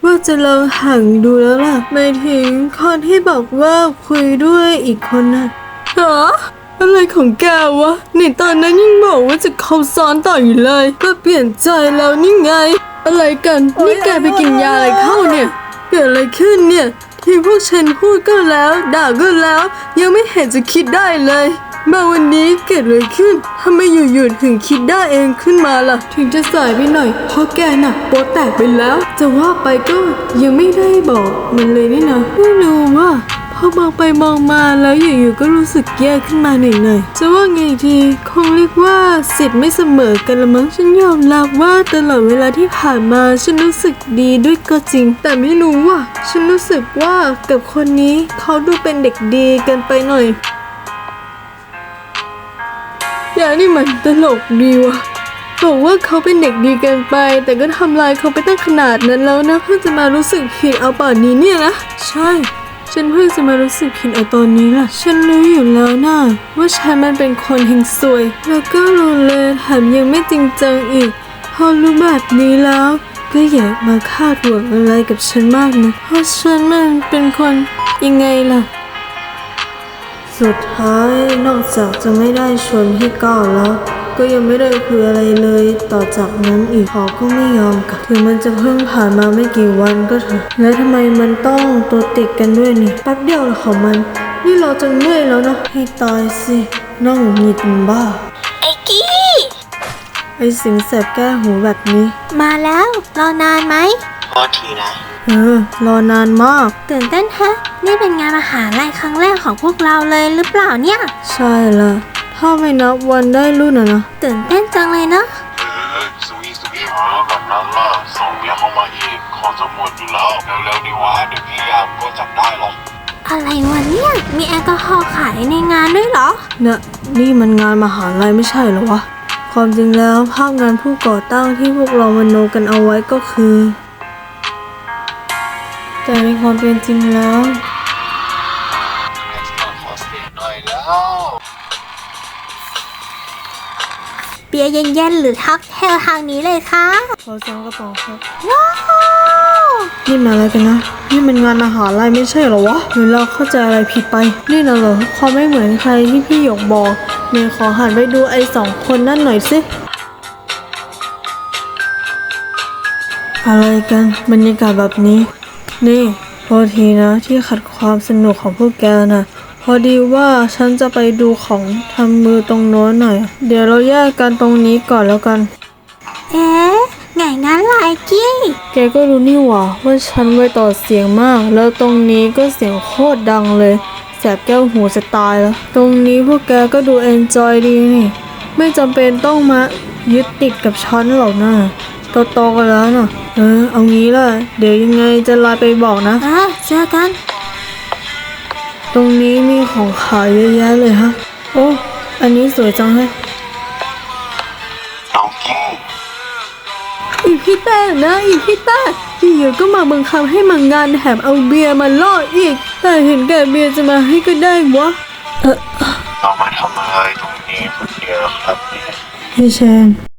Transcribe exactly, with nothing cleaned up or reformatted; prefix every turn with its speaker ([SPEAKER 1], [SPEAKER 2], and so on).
[SPEAKER 1] ว่าจะลองห่างดูแล้วล่ะหมายถึงคนที่บอกว่าคุยด้วยอีกคนน่ะฮะอะไรของแกวะในตอนนั้นยังบอกว่าจะคบซ้อนต่ออยู่เลยก็เปลี่ยนใจแล้วนี่ไงอะไรกันนี่แกไปกินยาอะไรเข้าเนี่ยเกิดอะไรขึ้นเนี่ยที่พวกฉันพูดก็แล้วด่าก็แล้วยังไม่เห็นจะคิดได้เลยมาวันนี้เกิดอะไรขึ้นทำไมอยู่ๆถึงคิดได้เองขึ้นมาล่ะถึงจะสายไปหน่อยเพราะแกน่ะโป๊แตกไปแล้วจะว่าไปก็ยังไม่ได้บอกมันเลยนี่นะไม่รู้ว่าพอมองไปมองมาแล้วอยู่ๆก็รู้สึกแย่ขึ้นมาหน่อยๆจะว่าไงดีคงเรียกว่าสิทธิ์ไม่เสมอกันละมั้งฉันยอมรับว่าตลอดเวลาที่ผ่านมาฉันรู้สึกดีด้วยก็จริงแต่ไม่รู้ว่าฉันรู้สึกว่ากับคนนี้เขาดูเป็นเด็กดีเกินไปหน่อยอย่านี่มันตลกดีวะบอกว่าเขาเป็นเด็กดีเกินไปแต่ก็ทำลายเขาไปตั้งขนาดนั้นแล้วนะเพิ่งจะมารู้สึกผิดเอาป่านนี้เนี่ยนะใช่ฉันเพิ่งจะมารู้สึกผิดเอาตอนนี้ล่ะฉันรู้อยู่แล้วนะว่าฉันมันเป็นคนเฮงซวยแล้วก็รู้เลยแถมยังไม่จริงจังอีกพอรู้แบบนี้แล้วก็อย่ามาคาดหวังอะไรกับฉันมากนะเพราะฉันมันเป็นคนยังไงล่ะสุดท้ายนอกจากจะไม่ได้ชวนพี่ก้าวแล้วก็ยังไม่ได้คุยอะไรเลยต่อจากนั้นอีกเขาก็ไม่ยอมกลับถึงมันจะเพิ่งผ่านมาไม่กี่วันก็เถอะแล้วทำไมมันต้องตัวติดกันด้วยนี่แป๊บเดียวของมันนี่เราจะเมื่อยแล้วนะให้ตายสิน้องหงิดบ้า
[SPEAKER 2] ไอ้กี้
[SPEAKER 1] ไอ้สิงแสบแก้หูแบบนี้
[SPEAKER 2] มาแล้วรอนานไหม
[SPEAKER 3] พอทีนะ
[SPEAKER 1] เออรอนานมาก
[SPEAKER 2] ตื่นเต้นฮะนี่เป็นงานมหาลัยครั้งแรกของพวกเราเลยหรือเปล่าเนี่ย
[SPEAKER 1] ใช่ละถ้าไม่นับวันได้รุ่นอะนะ
[SPEAKER 2] ตื่นเต้นจังเลยเนาะ
[SPEAKER 3] เฮ้ยสุยสุยมาแบบนั้นล่ะส่งเบียร์เข้ามาอีกขอจะหมดอยู่แล้วเร็วๆดีวะเดี๋ยวพี่ยามก็จับได้หรอก
[SPEAKER 2] อะไรวะเนี่ยมีแอลกอฮอล์ขายในงานด้วยเหรอ
[SPEAKER 1] เนี่ยนี่มันงานมหาลัยไม่ใช่เหรอวะความจริงแล้วภาพงานผู้ก่อตั้งที่พวกเรามโนกันเอาไว้ก็คือแต่ในความเป็นจริงแล้ว
[SPEAKER 3] ขอเสียหน่อยแล้ว
[SPEAKER 2] เบียร์เย็นๆหรือท็อกเทลทางนี้เลยค่ะ
[SPEAKER 1] ขอสองกระป๋องครับ
[SPEAKER 2] ว้าว
[SPEAKER 1] นี่มาอะไรกันนะนี่มันงานมหาลัยไม่ใช่เหรอวะหรือเราเข้าใจอะไรผิดไปนี่นะเหรอความไม่เหมือนใครที่พี่หยกบอกเมย์ขอหันไปดูไอ้สองคนนั่นหน่อยสิอะไรกันบรรยากาศแบบนี้นี่โทษทีนะที่ขัดความสนุกของพวกแกนะพอดีว่าฉันจะไปดูของทำมือตรงโน้นหน่อยเดี๋ยวเราแยกกันตรงนี้ก่อนแล้วกัน
[SPEAKER 2] เอ๊ะไงงั้นล่ะไอ้กี้
[SPEAKER 1] แกก็รู้นี่หว่าว่าฉันไว้ต่อเสียงมากแล้วตรงนี้ก็เสียงโคตรดังเลยแสบแก้วหูจะตายแล้วตรงนี้พวกแกก็ดูเอนจอยดีนี่ไม่จำเป็นต้องมายึดติดกับฉันหรอกนะโตๆกันแล้วนะเออเอางี้ล่ะเดี๋ยวยังไงจะไลน์ไปบอกนะ
[SPEAKER 2] อ่ะเจอกัน
[SPEAKER 1] ตรงนี้มีของขายเยอะแยะเลยฮะโอ้อันนี้สวยจังเลย
[SPEAKER 3] น้องกี้
[SPEAKER 1] อีพี่แต้นะอีพี่แต้อยู่ๆก็มาบังคับให้มางานแถมเอาเบียร์มาล่ออีกแต่เห็นแก่เบียร์จะมาให้ก็ได้วะเออ
[SPEAKER 3] เรามาทำอะไรตรงนี้คนเดียวครับเนี่ย
[SPEAKER 1] พี่เชน